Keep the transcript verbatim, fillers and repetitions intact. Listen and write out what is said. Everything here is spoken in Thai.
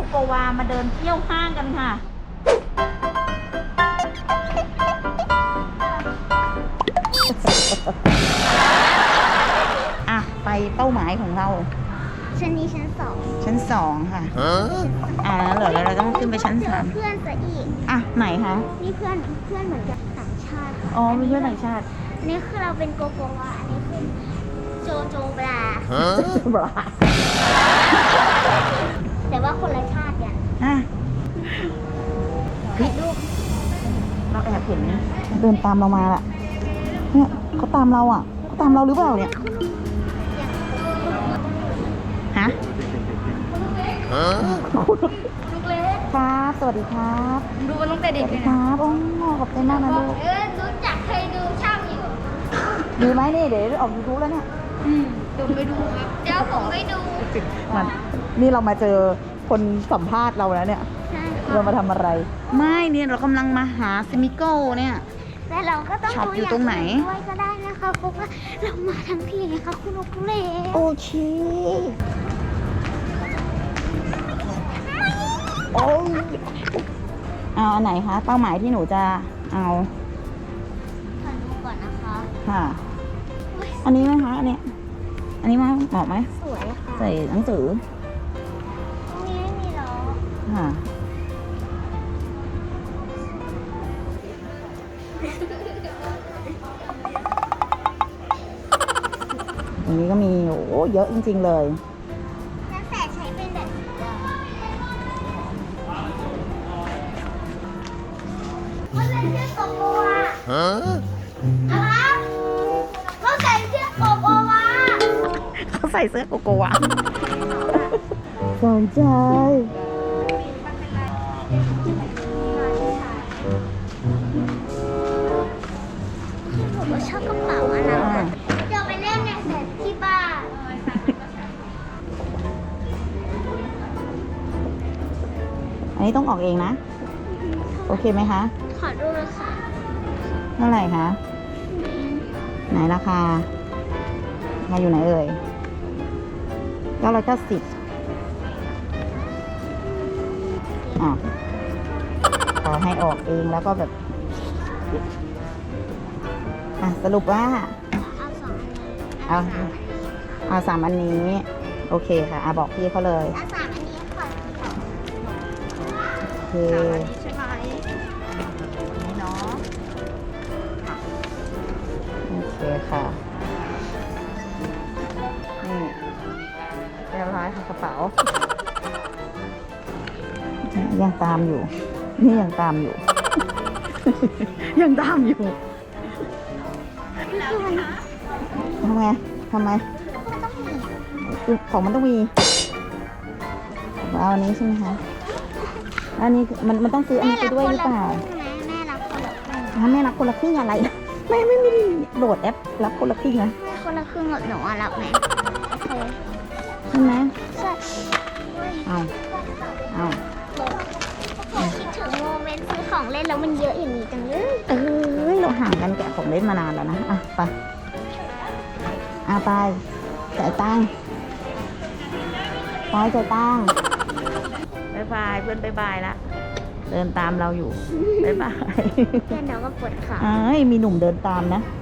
โกวามาเดินเที่ยวห้างกันค่ะอ่ะไปเป้าหมายของเราชั้นนี้ชั้นสองชั้นสองค่ะอ่าแล้วเหรอแล้วเราต้องขึ้นไปชั้นสามเพื่อนซะอีกอ่ะไหนคะนี่เพื่อนเพื่อนเหมือนกับต่างชาติอ๋อมีเพื่อนต่างชาติอันนี้คือเราเป็นโกโกวาอันนี้คือโจโจบลาบลาแต่ว่าคนละชาติกันอ่ะพี่ลูกเราแอบเห็นเดินตามเรามาล่ะเนี่ยเขาตามเราอ่ะเขาตามเราหรือเปล่าเนี่ยฮะลูกเล็กครับสวัสดีครับดูมันตั้งแต่เด็กเลยนะครับโอ้ขอบใจมากนะลูกเออรู้จักเคยดูช่างอยู่ดูไหมนี่เดี๋ยวออกยูทูบแล้วเนี่ยอืมเดี๋ยวไปดูครับเดี๋ยวผมไปดูมันนี่เรามาเจอคนสัมภาษณ์เราแล้วเนี่ยเรามาทำอะไรไม่เนี่ยเรากำลังมาหาซิมิโก้เนี่ยแต่เราก็ต้องดูอยู่ตรงไหนด้วยก็ได้นะคะเพราะว่าเรามาทั้งทีนะคะคุณลูกเล็กโอเคโอ้ยเอาอันไหนคะเป้าหมายที่หนูจะเอาขอดูก่อนนะคะค่ะอันนี้ไหมคะอันนี้อันนี้มาเหมาะไหมสวยค่ะใส่หนังสือตรงนี้ไม่มีล้อค่ะอันนี้ก็มีโอ้เยอะจริงๆเลยแล้วแต่ใช้เป็นแบบนี้เขาใส่เสื้อโกโกวาฮะนะครับเขาใส่เสื้อโกโกวาเขาใส่เสื้อโกโกวาสนใจผมก็ชอบกระเป๋าอันนั้นเดี๋ยวไปเล่นในเซ็ตที่บ้านอันนี้ต้องออกเองนะโอเคไหมคะขอดูเลยค่ะเท่าไหร่คะไหนราคามาอยู่ไหนเอ่ยเก้าร้อยเก้าสิบอ่ะขอให้ออกเองแล้วก็แบบอ่ะสรุปว่าเอาสองอันนี้เอาเอาสามอันนี้โอเคค่ะอ่ะบอกพี่เขาเลยเอาสามอันนี้ค่ะโอเคใช่ไหมนี่เนาะโอเคค่ะนี่เรียบร้อยค่ะกระเป๋ายังตามอยู่นี่ยังตามอยู่ ยังตามอยู่ทำไงทำไมของมันต้องมีเอาอันนี้ใช่ไหมคะอันนี้มันมันต้องซื้ออันนี้ไปด้วยหรือเปล่าแม่รับคนละครึ่งแม่รับคนละครึ่งอะไรแม่ไม่ไม่ได้โหลดแอปรับคนละครึ่งนะคนละครึ่งหนูรับไหมใช่ไหมใช่เอาเอาคิดถึงโมเมนต์ซื้อของเล่นแล้วมันเยอะอย่างนี้จังเลยเอ้ยเราห่างกันแกะของเล่นมานานแล้วนะอ่ะไปอ่ะไปจ่ายตังค์ไปจ่ายตังค์บายบายเพื่อนบายบายละเดินตามเราอยู่บายบายเพื่อนเราก็ปวดขาเอ้ยมีหนุ่มเดินตามนะ